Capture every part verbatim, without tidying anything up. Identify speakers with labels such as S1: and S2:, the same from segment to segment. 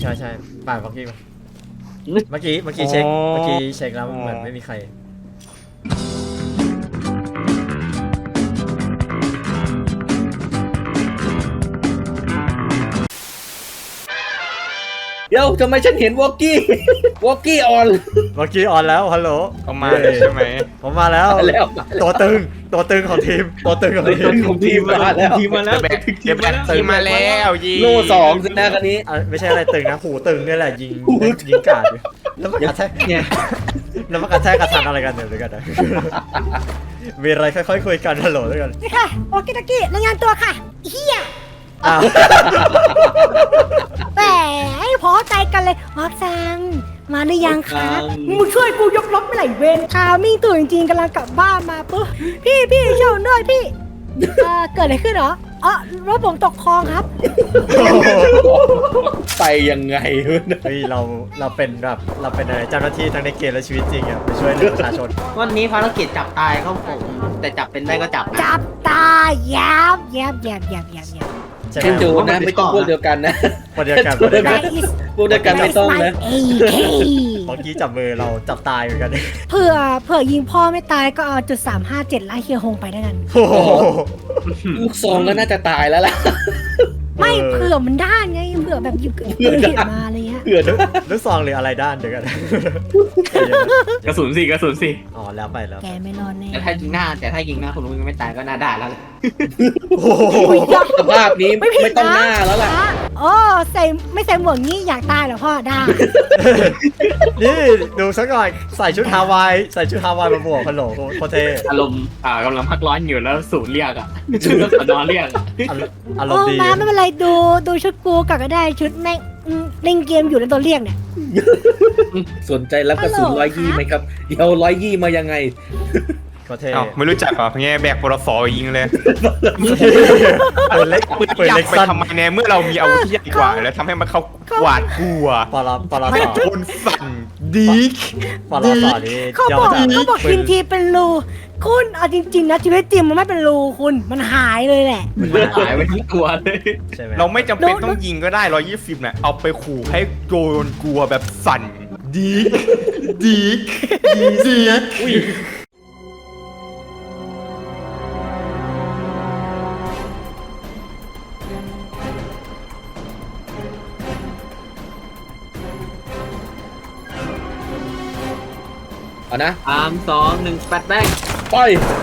S1: ใช่ใช่ป่านเมื่อกี้เมื่อกี้เมื่อกี้เช็คเมื่อกี้เช็คแล้วเหมือนไม่มีใคร
S2: เดี๋ยวทำไมฉันเห็นวอกกี้วอกกี้ออน
S1: เมื่อกี้ออนแล้วฮัลโหล
S3: เขามาเลยใช่ไหม
S1: ผมมาแล้วตัวตึงตัวตึงของทีมตัวตึงของทีม
S2: ของทีมมาแล้ว
S3: ทีมมาแล้วทีมทีมมาแล้วยิง
S2: โล่สองสินะคันนี้
S1: ไม่ใช่อะไรตึงนะหูตึงนี่แหละยิงยิงกาดแล้วมันกระแทกแล้วมันกระแทกกระทันอะไรกันเนี่ยด้วยกันนะมีอะไรค่อยๆคุยกันฮัลโหลด้วยกัน
S4: นี่ค่ะโอเคตะกี้รายงานตัวค่ะเฮียแหมให้พอใจกันเลยมอสซังมาหรือยังคะมึงช่วยกูยกรถไม่ไหลเวนคามิ่งตัวจริงๆกำลังกลับบ้านมาปุ๊บพี่พี่เช่าด้วยพี่เออเกิดอะไรขึ้นเหรออ๋อรถผมตกคลองครับ
S2: ไปยังไงเ
S1: ฮ้ยเราเราเป็นแบบเราเป็นอะไรเจ้าหน้าที่ทั้งในเกมและชีวิตจริงอ่ะไปช่วยเหลือประชาชน
S5: วันนี้ภารกิจจับตายครับผมแต่จับเป็นได้ก็จับ
S4: จับตายยับยับยับยับยับยับ
S2: ใช่จูนะไม่ต้องพวกเดียวกันนะ
S1: พวกเดียวกันพวกเดียวกัน
S2: พวกเดียวกันไม่ต้องนะ
S1: เมื่อกี้จับมือเราจับตายเหมือนกัน
S4: เผื่อเผื่อยิงพ่อไม่ตายก็เอาจุดสามห้าเจ็ดไล่เฮียฮงไปได้กัน
S2: ลูกซองก็น่าจะตายแล้วล่ะ
S4: ไม่เผื่อมันด้านไงเผื่อแบบหยิบเกิดเหตุมาอะไรเงี้ย
S1: เผื่อลูกซองหรืออะไรด้านเดี๋ยวกัน
S3: กระสุนสิกระสุนสิ
S1: อ๋อแล้วไปแล้ว
S4: แกไม่รอดแน่
S5: แต่ถ้ายิงหน้าแต่ถ้ายิงหน้าคุณลุงยังไม่ตายก็น่าด่าแล้ว
S2: สภาพนี้ไม่ต้องหน้าแล้วล่ะ
S4: โอ้ใส่ไม่ใส่หมวกนี้อยากตายเหรอพ่อได้
S1: นี่ดูสักหน่อยใส่ชุดฮาวายใส่ชุดฮาวายมาบวกฮัลโหลโคเท
S5: อารมณ์อ่ากำลังพักร้อนอยู่แล้วสูดเรียกอ่ะชุดสนอนเรียก
S1: อารมณ์ดี
S4: มาไม่เป็นไรดูดูชุดกูกับก็ได้ชุดแม่งเล่นเกมอยู่ในตัวเรียกเนี่ย
S2: สนใจรับกระสุนร้อยยี่ไหมครับเดี๋ยวร้อยยี่มายังไง
S1: ก็เท่
S3: ไม่รู้จักเหรอเงี้ยแบกปลสอยิงเลย
S1: ปืนเล็กปืนเล็ก
S3: ไปทำไมเนี่ยเมื่อเรามีอาวุธที่ใหญ่กว่าแล้วทำให้มันเขาหวาดกลัว
S1: ปลาปลา
S3: ให้โดนสั่นดี
S1: ปลาสอนี่
S4: เขาบอกเขาบอกทีมทีเป็นรูคุณเอาจริงๆนะชีวิตจริงมันไม่เป็นรูคุณมันหายเลยแหละ
S5: มันหายไปทั้งตัวเลย
S3: เราไม่จำเป็นต้องยิงก็ได้ร้อยยี่สิบเนี่ยเอาไปขู่ให้โดนกลัวแบบสั่นดีดีดีดี
S2: เอานะ
S5: สามสองหนึ่งแปดแบง
S2: ไป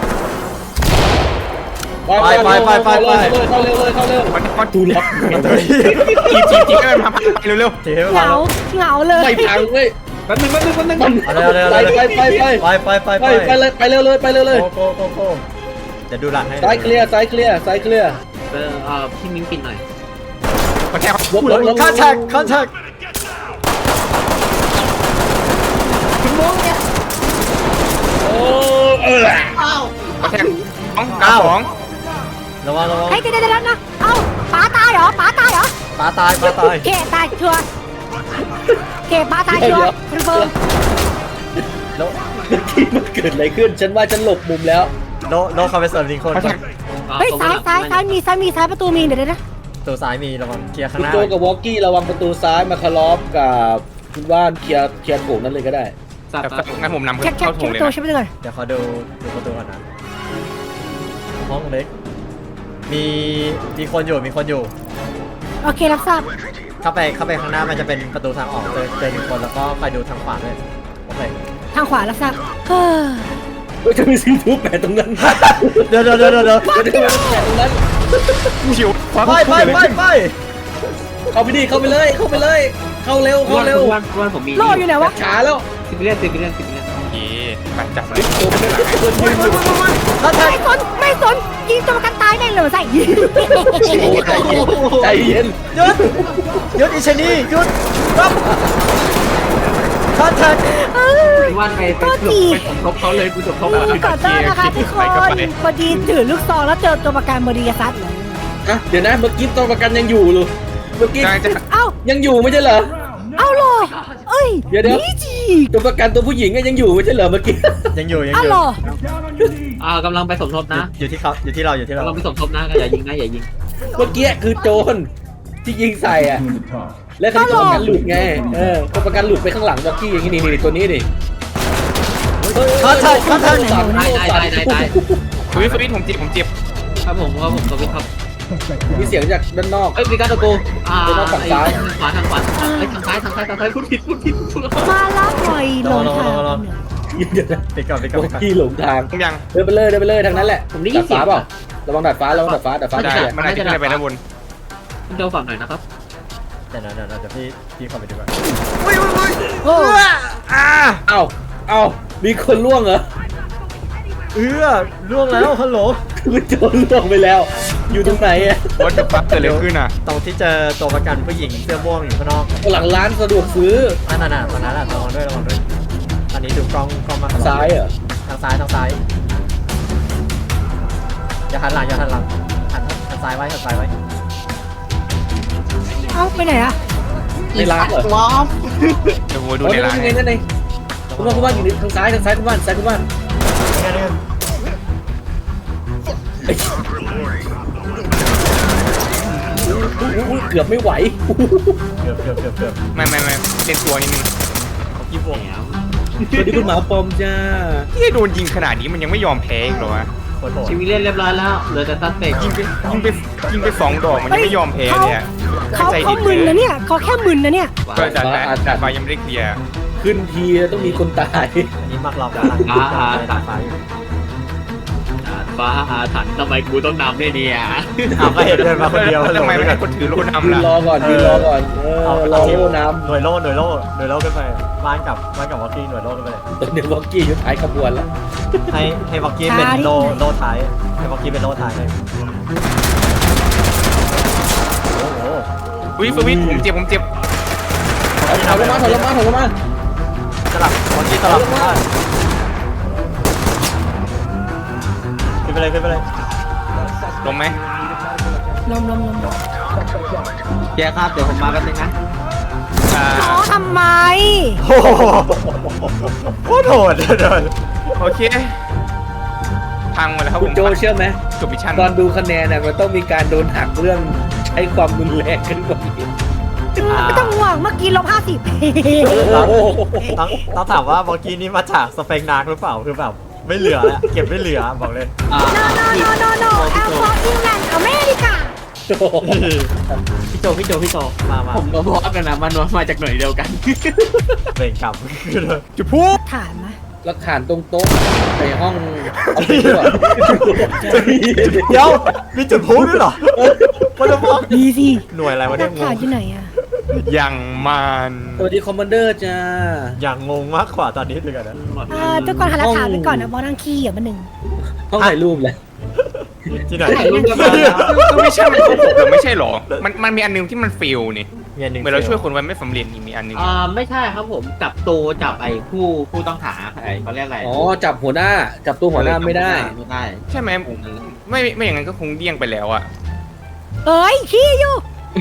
S1: ไปไปไปไปไป
S2: เข้าเร็วเลยเข้าเร็ว
S3: มันมัน
S2: ดูล็อก
S3: จีจีจีให้มันพังไปเร็ว
S1: ๆ
S4: เหงาเหงาเลย
S2: ไม่พังเลย
S5: แป๊บนึงแป๊บนึงแป๊บนึง
S1: ไปไป
S2: ไปไปไป
S1: ไปไปไป
S2: ไปไปเลยไปเร็วเลยไปเร็วเลย
S1: โก้โก้โก้จะดูหลังให้
S2: ซ้ายเคลียร์ซ้ายเคลียร์ซ้ายเคลียร์
S5: เออเออพี่มิ้งปิดหน่อย
S3: มาแทง
S2: ลบลบลบ
S1: คอนแทคคอนแทค
S4: คุณมงเนี่ย
S2: โอ้เออ
S4: อ้าว
S3: มาแทงสองเก้าสอง
S1: ระวังระวัง
S4: เฮ้ยเดี๋ยวเดี๋ยวนะเอ้าป๋าตายเหรอป๋าตายเหรอ
S1: ป๋าตายป๋าตาย
S4: เกตายชัวร์เกป๋าตายชัวร์คอนเฟิร์ม
S1: แล้ว
S2: ที่มันเกิดอะไรขึ้นฉันว่าฉันหลบมุมแล้ว
S1: โนโนคาเฟสเซอร์ลิงคน
S4: เฮ้ยซ้ายซ้ายซ้ายมีซ้ายมีซ้ายประตูมีเดี๋ยวนะ
S1: ตัวซ้ายมีระวังเคลียร์ข้างหน้า
S2: โจกับวอกกี้ระวังประตูซ้ายมาคาร์ลอฟกับคุณว่านเคลียร์เคลียร์โถงนั่นเลยก็ได้
S3: งั้นผมนำ
S4: เข้า
S3: โถงเลย
S4: นะ
S1: เดี๋ยวเขาดูดูประตูก่อนนะห้องเล็กมีมีคนอยู่มีคนอยู่
S4: โอเครับทราบ
S1: เข้าไปเข้าไปข้างหน้ามันจะเป็นประตูทางออกเจอเจอหนึ่งคนแล้วก็ไปดูทางขวาเลยโอเค
S4: ทางขวารับทราบเฮ้
S2: ยจะมีซีทูแปะตรงนั้น
S1: เดี๋ยวเดี๋ยวเดี๋ยวเดี๋ยว
S2: จะมีแปะตรงนั้น
S3: ชิว
S1: ไปไปไปไป
S2: เข้าไปดิเข้าไปเลยเข้าไปเลยเข้าเร็วเข้าเร็ว
S5: วันวันผมมี
S4: รออยู่ไหนวะ
S2: ช้าแล้ว
S5: สิบเรื่องสิบเรื่องสิบเรื่อง
S3: โอเคไปจับเลย
S4: ไม่สนไม่สนยิงตัวประกันตายแน่เลยใส่
S2: ใจเย็น
S1: หยุดหยุดอิชนี่หยุดรับคอนแทค
S5: วันไปไปหลบไปสมทบเขาเลยกูสมทบ
S4: ก่อนต้อนนะคะทุกคนพอดีถือลูกซองแล้วเจอตัวประกันบริษัทเลย
S2: อ่ะเดี๋ยวนะเมื่อกี้ตัวประกันยังอยู่หรือเมื่อกี้
S4: เอ้า
S2: ยังอยู่ไม่ใช่เหรอ
S4: เอ้าหรอเอ้ย
S2: เดี๋ยวเดี๋ยวตัวประกันตัวผู้หญิงก็ยังอยู่ไม่ใช่เหรอเมื่อกี้
S1: ยังอยู่ยังอยู่
S4: เอ้าหรอ
S5: อ่ากำลังไปสมทบนะ
S1: อยู่ที่เขาอยู่ที่เราอยู่ที่เรา
S5: กำลังไปสมทบนะอย่ายิงนะอย่ายิง
S2: เมื่อกี้คือโจรที่ยิงใส่อ่ะและคันนี้ตัวประกันหลุดไงเออตัวประกันหลุดไปข้างหลังบ็อกกี้อย่างนี้นี่นี่ตัวนี้นี่
S1: เขาเถิดเขาเถิด
S2: สั่น
S6: ตายตายตายตายตาย
S3: สวิตสวิตผมเจ็บผมเจ็บ
S6: ครับผมครับผมสวิตครับ
S2: มีเสียงจากด้านนอก
S6: เอ้ยมีการตะโกนอ่า
S2: เดี๋ยวเราฝั่งซ้าย
S6: ขวาทางขวาเอ้ยทางซ้ายทางซ้ายทางซ้ายพูดผิดพูดผิดพูดผิด
S4: มาแล้วปล่อยลงทาง
S2: เดี๋ยวนะ
S1: ปิดก่อนปิดก่อน
S2: บ็อ
S1: ปิดก่อน
S2: กกี้หลงทาง
S3: ผมยัง
S2: เดินไปเลยเดินไปเลยทางนั้นแหละ
S6: ผมได้ยิ
S2: ดาน ด
S6: เสีย
S2: ฟ้าง เปล่าระวังดาดฟ้าระวังดาดฟ้าดาดฟ้า
S3: ได้
S2: เสีย
S3: มันอาจจะขึ้นไปด้านบน
S6: คุณเดาฝั่งหน่อยนะครับ
S1: เดี๋ยวนะเดี๋ยวนะเดี๋ยวพี่พี่เข้าไปดีกว่า
S4: โอ้
S1: อ่า
S2: เอ้าเอ้ามีคนล่วงเหรอ
S1: เอื้อล่วงแล้วฮัลโหล
S2: คือโจรล่วงไปแล้ว อยู่ตรงไหนอะ
S3: ว่าจะปั๊บเกิดอะไรขึ้นอ่ะ
S1: ตรงที่เจอตัวประกันผู้หญิงเสื้อม่วงอยู่ข้างนอก
S2: หลังร้านสะดวกซื้อ
S1: อ่านั่นน่ะตอนนั้นแหละระวังด้วยระวังด้วยอันนี้ดูกล้องกล้องมา
S2: ซ้ายเหรอ
S1: ทางซ้ายทางซ้ายอย่าหันหลังอย่าหันหลังหันหันซ้ายไว้หันซ้ายไว้
S4: เอ้าไปไหนอะ
S2: ในร้านเหรอ
S3: เดี๋ยวผมดู
S2: อ๋อ
S3: ใน
S2: นี่
S3: ร้าน
S2: ไงนั่นไงคุณว่าคุณว่าอยู่ทางซ้ายทางซ้ายคุณว่าซ้ายคุณว่า
S1: นี่ไงนี่ไง
S2: อุ๊ยเกือบไม่ไหว
S1: เกือบเกือบเกือบเกือบ
S3: ไม่ไม่ไม่เล่นตัวนิดนึง
S1: เขากี้วง
S2: สวัสดีคุณหมาปอมจ้า
S3: ที่โดนยิงขนาดนี้มันยังไม่ยอมแพ้อีกเหรอวะ
S1: โคตรโหด
S6: ชีวิตเล่นเรียบร้อยแล้วเหลือแต่ซัสเปก
S3: ยิงไปยิงไปยิงไปสองดอกมันยังไม่ยอมแพ้เนี่ย
S4: เขา
S3: ใจ
S4: เขา
S3: ดี
S4: มึนนะเนี่ยเขาแค่มึนนะเนี่ย
S3: ก็จัดแต่จัดไปยังไม่ได้เคลียร์
S2: ขึ้นทีต้องมีคนตาย
S1: อันนี้มักเรากำลังกำลังตัดไฟอยู่
S6: ฟ้าอาถรรพ์ทำไมกูต้องนำด้วยเนี่ย
S1: อ้าวก็เห็นเดินมาคนเดียว
S3: แล้วทำไมไม่ให้คนถือโล่
S2: ยื
S3: นำ
S2: น
S3: ล่ะ
S2: รอก่อนยืนรอก่อนเออ
S1: เอา
S2: รอ
S1: เอาทีม
S2: โล่น้
S1: หน่วยโล่หน่วยโล่หน่วยโล่ขึ้นไปบ้านกับบ้านกับวอกกี้หน่วยโล่ขึ้นไปเลย
S2: ำตอนนี้วอกกี้อยู่ท้ายขบวนแล้ว
S1: ให้ให้วอกกี้เป็นโล่โล่ท้ายให้วอกกี้เป็นโล่ท้ายเลยโอ้โห
S3: อุ้ยสวิตผมเจ็บผมเจ็บ
S2: ถอยลงมาถอยลงมาถอยลงมา
S1: สลับวอกกี้สลับบ้านขึ้นไปเลยขึ้นไปเลย
S3: ลงไหม
S4: ลมลมลมลม
S6: แกครับเดี๋ยวผมมาแป๊บนึงนะ
S3: อ่า
S4: อ๋อทำไม
S1: โอ้โหโคตรโหดเดิน
S3: โอเคพังหมดแล้วครับ
S2: คุ
S3: ผ
S2: ณ
S3: ม
S2: โจเชื่อไหม
S3: จบมิชชั่น
S2: ตอนดูคะแนนน่ะมันต้องมีการโดนหักเรื่องใช้ความรุนแรงขึ้นกว่านี้
S4: ไม่ต้องห่วงเมื่อกี้ลบห้าสิบ
S2: โอ้โห
S1: ต้องต้องถามว่าวอกกี้นี่มาจากสเปกนาร์กหรือเปล่าคือแบบไม่เหลือแล้วเก็บไม่เหลือบอกเลย
S6: อ่า
S4: โนโนโนโนแอลฟอร์อิงแลนด์อเมริกา
S6: พี่โจพี่โจพี่โจ
S1: มามา
S6: ผมก็บอกกันนะมันมาจากหน่วยเดียวกัน
S1: เบ่งกลับ
S3: จะพูด
S4: ถามไหม
S2: แล้วขานตรงโต๊ะในห้องเอาไปด้วย
S1: เดี๋ยวมีจุดพูดด้วยเหรอมันจะบอก
S4: ดีสิ
S1: หน่วยอะไรวะ
S4: หลั
S1: เนี่ย
S4: ก
S1: ง
S4: ฐาน
S1: ง
S4: ที่ไหนอะ
S3: อย่างมัน
S2: สวัสดีคอมมานเดอร์จ้า
S1: อย่างงงมากกว่าตอนนี้เลยกันนะ
S4: เอ่อทุกคนหาหลักฐานไว้ก่อนนะบอสนั่งขี้อ่ะมันหนึ่ง
S2: ห้องถ่ายรูปเลย
S1: ที่ไหน
S6: ถ่ายรูปกันมา
S3: ก็ไม่ใช่มันครบหรือไม่ใช่หรอ มันมันมีอันนึงที่มันฟิลนี่
S1: มีอันหนึ่ง
S3: เหมือนเราช่วยคนไว้ไม่สำเร็จนี่มีอันนึง
S6: อ่าไม่ใช่ครับผมจับตัวจับไอ้ผู้ผู้ต้องหาไอ้เขาเรียกอะไร
S2: อ๋อจับหัวหน้า จับตัวหัวหน้าไม่ได้
S6: ไม่ได้
S3: ใช่ไหมไม่ไม่อย่างนั้นก็คงเดี้ยงไปแล้วอะ
S4: เอ้ยขี้อยู่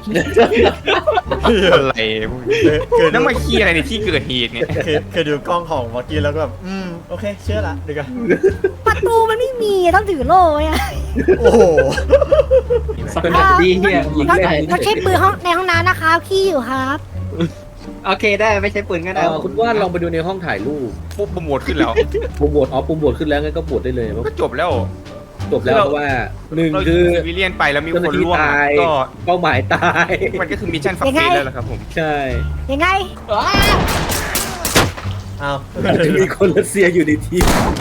S3: อะไรพวกนี้
S1: คือคือ
S3: นั่นมาเคลียร์อะไรในที่เกิดเหตุเนี่ย
S1: คือคือดูกล้องของวอกกี้แล้วก็แบบอืมโอเคเชื่อละดีกัน
S4: ประตูมันไม่มีต้องถือโล่ไว้อะ
S1: โอ้โห
S6: เป็นแบบดีเฮียยิง
S4: ก็
S6: ได้
S4: ก็เช็คปืนห้องในห้องน้ำนะคะขี้อยู่ครับ
S6: โอเคได้ไม่ใช่ปืนก็ได้
S2: เอ่อคุณว่านลองไปดูในห้องถ่ายรูป
S3: ปุ๊บโปรโมทขึ้นแล้ว
S2: ปุ่มโหวตอ๋อปุ่มโหวตขึ้นแล้วงั้นก็โหวตได้เลย
S3: ก็จบแล้ว
S2: จบแล้วเพราะว่าหนึ่ง
S3: เรา
S2: คือ
S3: ซิวิเลียนไปแล้วมี
S2: เจ้าห
S3: ค
S2: น้าน ที่
S3: ร่วง
S2: ตาย
S3: ก็
S2: เป้าหมายตาย
S3: มันก็คือมิชชั่นสักเซสแล้วล่ะครับผม
S2: ใช่
S4: ยังไง
S1: อ้าว
S2: อาจจะมีคนรัสเซียอยู่ในทีม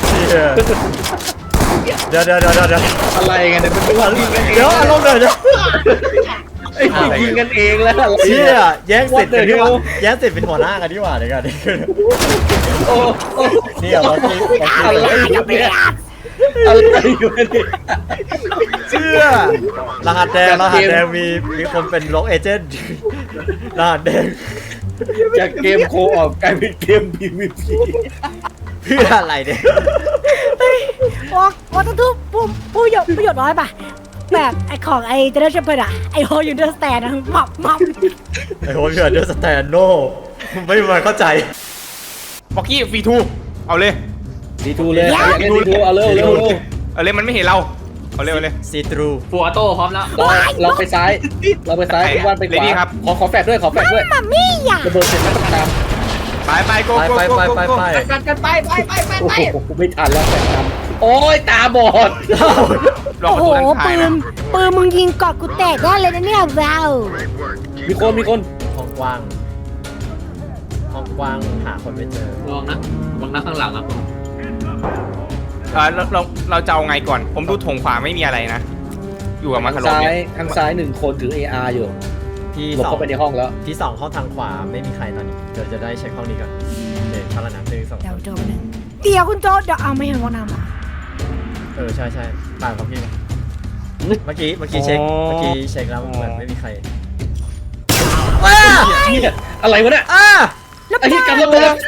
S1: เดี๋ยวเดี๋ยวเดี๋ยวเดี๋ยวเดี๋ยว
S2: อะไรกันเนี่ยมันเป็นว่ายิงกันเอง
S1: เดี๋ยวอารมณ์หน่อยเดี๋ยว
S2: ไอ้ยิงกันเองแล้วอะไร
S1: เชี่ยแย่งสิทธิ์เป็น
S2: What the
S1: ที่ว่า
S2: hell
S1: แย่งสิทธิ์เป็นหัวหน้ากันดีกว่าเดี๋ยวกัน
S2: โอ้โอ้
S1: นี่อะวอกกี้วอกกี้
S2: อะไรอยู่เนี่ยอะไรอยู่เนี่ย
S1: เชื่อรหัสแดงรหัสแดงมีมีคนเป็นล็อกเอเจนต์รหัสแดง
S2: จากเกมโคออกกลายเป็นเกม พี วี พี
S1: เพื่ออะไรเนี่ย
S4: วอกวอกต้องทุบผู้ผู้ประโยชน์ประโยชน์น้อยป่ะแบบไอของไอเจเนอเรชั่นเพิร์ดอะไอโฮยูเดอร์สแตนอะมับมับ
S1: ไอ้โหเพื่อนเดอร์สแตนโน่ไม่มาเข้าใจ
S3: บอกกี้ฟรีทูเอาเลย
S2: ดีทูเลยอยากเล่นดีทูเอาเร็วเร็วเร็ว
S3: เอาเลยมันไม่เห็นเราเอาเร็วเลย
S1: ซีทรู
S5: ฟัวโต้พร้อมแล้ว
S2: เราเราไปซ้าย เราไปซ้ายคุณว่านไปข
S3: เลดี้
S2: วา
S3: ครับ
S2: ขอขอแฟดด้วยขอแฟดด้วย
S4: มัมมี่อยาก
S2: ระเบิดเสร็จแล้วก็ตาม
S3: ไปไปโก
S1: ไป
S3: โก
S1: ไป
S3: โก
S1: ไป
S3: โก
S1: ไป
S3: โก
S1: ไป
S6: กันกันไปไปไปไป
S2: โอ้
S6: ไป
S2: โหไม่ทันแล้วแฟดตามโอ้ยตาบอด
S3: ลอง
S4: โอ้
S3: ประ
S4: โห
S3: ตูด้านซ้า
S4: ปื
S3: ย
S4: น
S3: นะ
S4: ปืนมึงยิงกอดกูแตกได้เลยนะเนี่ยแวว
S2: มีคนมีคน
S1: ห้องกว้างห้องกว้างหาคนไม่เจอ
S5: ลองนะลองนะข้างหลังนะ
S3: เออเราเราเราจะเอาไงก่อน ผมดูถงขวาไม่มีอะไรนะ อยู่กับมา
S2: ทาง
S3: คารอ
S2: ซ้า
S3: เนี่ย
S2: ยทางซ้ายหนึ่งคนถือ เอ อาร์ อยู่
S1: ที่
S2: หลบ
S1: สอง
S2: เข้าไปในห้องแล้ว
S1: ที่สองห้องทางขวาไม่มีใครตอนนี้เดี๋ยวจะได้เช็คห้องนี้ก่อนเดี๋ยวพารานังหนึ่งสอง
S4: เดี๋ยวโจนึงเดี๋ยวคุณโจเดี๋ยวเอาไม่เห็นว่านำอ่ะ
S1: เออใช่ใช่ต่างกับพี่เมื่อกี้เมื่อกี้เช็คเมื่อกี้เช็คแล้วเหมือนไม่มีใครว้า
S2: เนี่ยอะไรวะเนี่ย
S1: อ่า
S4: แล้ว
S2: ไอ้ที่
S4: ป้า
S2: กำลังระเบิด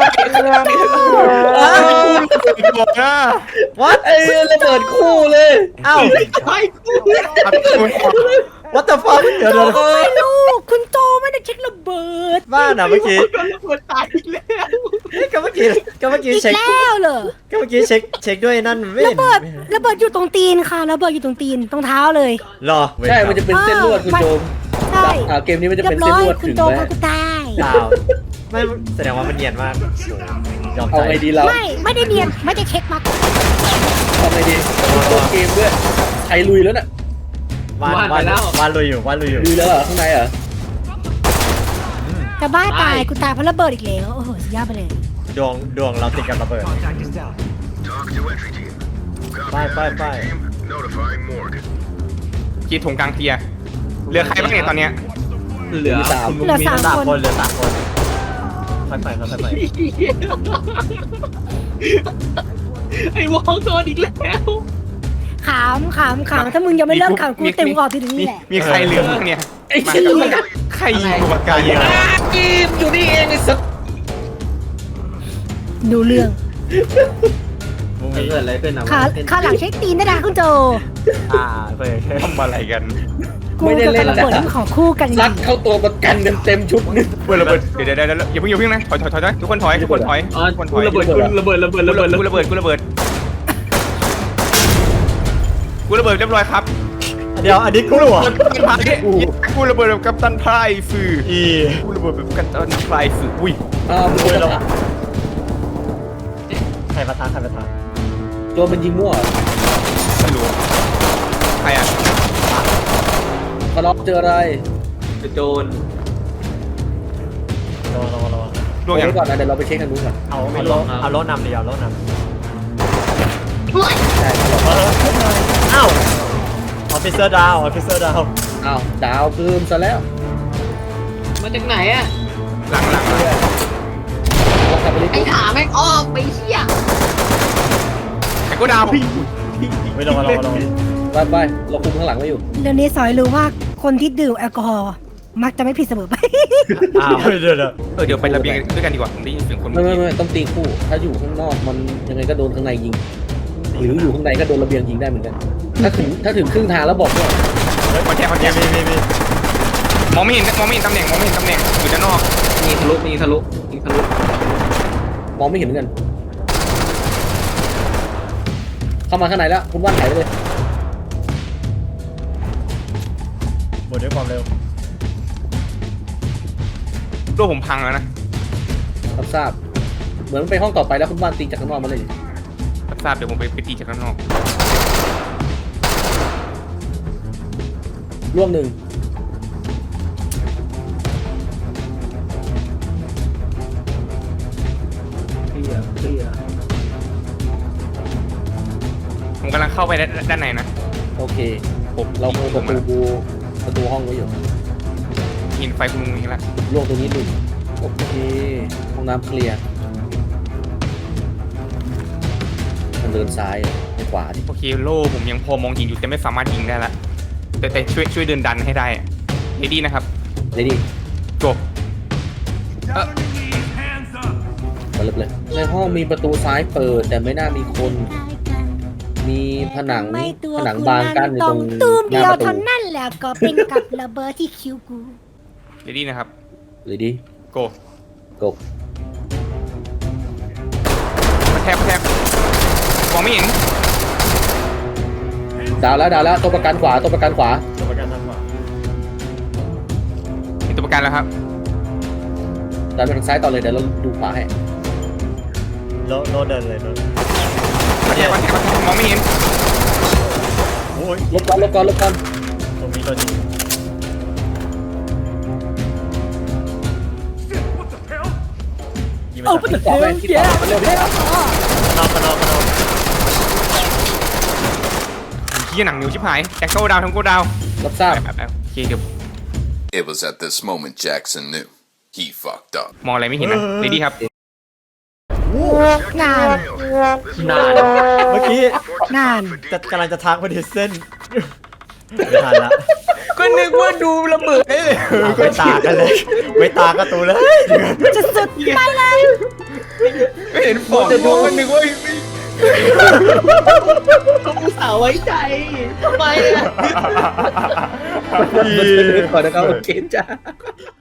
S1: วัด
S2: ไอ้ระเบิดคู่เลย
S1: เอ้า
S6: ไอ้กู
S1: what the fuck เดี๋ยวเดี๋ยว
S4: ไม่รู้คุณโจไม่ได้เช็คระเบิด
S1: บ้านอ่ะเมื่อกี้
S6: ระเบิดตายอีกแล้ว
S1: เฮ้ยก็เมื่อกี้ก็เมื่อกี้
S4: อีก
S1: เช็ค
S4: แล้วเหรอ
S1: ก็เมื่อกี้เช็คเช็คด้วยนั่นไม่
S4: ระ
S1: เห็น
S4: เบิดระเบิดอยู่ตรงตีนค่ะระเบิดอยู่ตรงตีนตรงเท้าเลย
S1: รอ
S2: ใช่ มันจะเป็นเส้นลวดคุณโจม
S4: ใช่
S2: อ่าเกมนี้มันจะ
S4: เรีย
S2: เป็น
S4: บ
S2: เส้
S4: ร้
S2: น
S4: อย
S2: ลวด
S4: คุณ
S2: ถึง
S4: โจ
S2: ไหม
S4: พากูตาย
S1: เปล่าไม่แสดงว่ามันเนียนมากยอม
S2: เอา
S1: ใจ
S2: ไงดีเรา
S4: ไม่ไม่ได้เนียนไม่ได้เช็คมา
S2: เอาไงดีตัวเกมด้วยใครลุยแล้วน่ะ
S1: วานวานวานลุยอยู่วานลุยอยู่
S2: ลุยแล้วเหรอข้างในเหรอ
S4: แต่บ้าตายกูตายเพราะระเบิดอีกแล้วโอ้โหสุดยอดไปเลย
S1: ดวงดวงเราติดกับระเบิด
S7: Talk to entry team. Copy
S1: Bye, bye,
S7: entry
S1: bye.
S7: team. Notifying morgue.
S3: กีดถงกลางเคลียร์เหลือใครบ้างเนี่ยตอนเนี้ย
S5: เหลือ
S2: มีสาม
S4: เหลือสาม
S1: สาม
S4: คน
S1: คนเหลือสามคนค่อยไปค่อยไป
S5: ไอ้วองโดนอีกแล้ว
S4: ขามขามขามถ้ามึงยังไม่เลิกขามกูเต็มกรอบที่ตรงนี้แหละ
S3: มีใครเหลือบ้างเนี่ย
S2: ไอ้เชี่ย
S3: ใครยิงตัวประกันเยอะ
S2: กีมอยู่นี่เองไอ้สัส
S4: ดูเรื่อง
S1: มุ้ง
S6: เกิดอะไรขึ้นอ่ะ
S4: ขาขาหลังเช็คตีนได้นะคุณโจ
S1: อ่าเพื่อ
S3: ทำอะไรกัน
S4: กูกับระเบิดนี่ของคู่กันจ
S2: ซั
S4: ริ
S2: ด
S4: ง
S2: เข้าตัวประกันเต็มเต็มๆชุดนึง
S3: เปิดระเบิดเดี๋ยวเดี๋ยวเดี๋ยวอย่าเพิ่งอย่าเพิ่งนะถอยถอยถอยถอยทุกคนถอยทุกคนถอย
S5: อ๋อ
S3: ทุกคนถ
S5: กู
S3: อย
S5: ระเบิดกูระเบิดระเบิด
S3: กู
S5: ระเบิด
S3: ระเบิดกูระเบิดกูระเบิดกูระเบิดเรียบร้อยครับ
S1: เดี๋ยวอันนี้กูเหรอ
S3: กูระเบิดแบบกัปตันไพรฟือ
S1: อี
S3: กูระเบิดแบบกัปตันไพรฟืออุ้ย
S2: อ้าวมัน
S1: โอ้ย
S2: จะ
S1: แล้วใครประทานใครประทาน
S2: ตัวมันยิงมั่ว
S3: ไม่รู้ใครอ่ะ
S2: ทะเลาะเจออะไร
S5: โดน
S1: ระวังระวังระวัง
S3: ดวงอย่าง
S2: ไว้ก่อนนะเดี๋ยวเราไปเช็คทางนู้นก่อน
S1: เอาเอาโลเอาโลนำดิเอาโลนำ
S2: ใช่ทะเลาะ
S1: อ้าวออฟฟิเซอร์ดาวออฟฟิเซอร์ดาว
S2: อ้าวดาวเพิ่มซะแล้ว
S5: มาจากไหนอ่ะ
S3: หลังหลัง
S2: เรากลับไปเล่น
S5: ไอ้ขาแม่งอ้อมไปเชี่ย
S3: ไอ้กูดาว
S1: ไม่ระวังระวังระวัง
S2: ไปไปเราคุมข้างหลังไว้อยู่
S4: เรื่องนี้สอยรู้ว่าคนที่ดื่มแอลกอฮอล์มักจะไม่ผิดเสมอไป
S1: อ้าวเดี๋ยวเดี๋ยว
S3: เออเดี๋ยวไประเบียงด้วยกันดีกว่าผมได้ยินเสียงคน
S2: ไม่ไม่ไม่ต้องตีคู่ ถ้าอยู่ข้างนอกมันยังไงก็โดนข้างในยิง หรืออยู่ข้างในก็โดนระเบียงยิงได้เหมือนกัน ถ้าถึงถ้าถึงครึ่งทางแล้วบอกว่า
S3: มันแค่มันแค่
S1: มีมีมี
S3: มองไม่เห็นมองไม่เห็นตำแหน่งมองไม่เห็นตำแหน่งอยู่ด้านนอก
S5: มีทะลุมีทะลุมีทะลุ
S2: มองไม่เห็นเหมือนกัน เข้ามาข้างในแล้ว คุณว่านหายไปเลย
S1: หมดด้วยความเร็ว
S3: ตัวผมพังแล้วนะ
S2: รับทราบ เหมือนมันไปห้องต่อไปแล้วคุณว่านตีจากข้างนอกมาเลย
S3: รับทราบเดี๋ยวผมไปไปตีจากข้างนอก
S2: ร่วงหนึ่ง
S6: เคลียร์เคลียร์
S3: ผมกำลังเข้าไปด้านในนะ
S2: โอเค
S3: ผม
S2: เราคุม
S3: ผ
S2: ประ
S3: ม
S2: ตูประตูห้องไว้อยู่
S3: ยินไฟคุณลุงนี้ละ
S2: ร่วงตรงนี้หนึ่งโอเค ห้องน้ำเคลียร์มันเดินซ้ายไปขวาดิ
S3: โอเคโล่ผมยังพอมองยิงอยู่แต่ไม่สามารถยิงได้ละแต่แต่ช่วยช่วยเดินดันให้ได้เรดี้นะครับ
S2: เลยดิ
S3: จบเออ
S2: มาเลยเลย ในห้องมีประตูซ้ายเปิด แต่ไม่น่ามีคน มีผนัง
S4: ไม่ตัว
S2: ผนัง
S4: คุณ
S2: บานกั้นอยู่
S4: ต
S2: ต
S4: ร
S2: รง ง
S4: ตูม
S2: ห
S4: เดี
S2: น้า
S4: ยว
S2: ประตู
S4: เท่านั้นแหละก็เป็นกับระเบิดที่คิวกู
S3: เรดี้นะครับ
S2: เลยดิ
S3: โก
S2: กบ
S3: มาแทบแทบมองไม่เห็น
S2: ดาวแล้วดาวแล้วตัวประกันขวาตัวประกันขวา
S1: ตัวประกันทางขวา
S3: มีตัวประกันแล้วครับ
S2: ดาวไปทางซ้ายต่อเลยเดี๋ยวเราดูขวาให้
S1: โลโลเดินเลยโล
S3: มันแค่มันแค่มันมองไม่เห็น
S1: โอ้ย
S2: ลบก่อนลบก่อนลบก่อน
S1: ตรงนี้ตัวนี้ยิง
S4: เอา
S1: มา
S4: ไป
S1: จาก
S4: เถอะเดี๋ยวเดี๋ยวเดี๋ยว
S1: นอกกันนอกกันนอก
S3: ขี้หนังนิ้วชิบหายแจ็คโก้ดาวทั้งโก้ดาว
S2: รับทราบ
S3: แบบแบบโอเคเดี๋ยว
S7: It was at this moment Jackson knew. He fucked up.
S3: มองอะไรไม่เห็นนะเลดี้ครับ
S4: งาน
S5: นาน
S1: เมื่อกี้
S4: งาน
S1: จะกำลังจะทักพอดีเส้นไม่ทันละ
S3: ก็นึกว่าดูระเบิดได้เลย
S1: อ่ะไม่ตากันเลย ไม่ตากันตูเลย
S4: จะสุดไปเลย
S3: ไม่เห็นฟองจะดูก็นึกว่า
S6: เขาอุตส่าห์ไว้ใจทำไมอะ
S2: ก่อนนะครับโอเคจ้า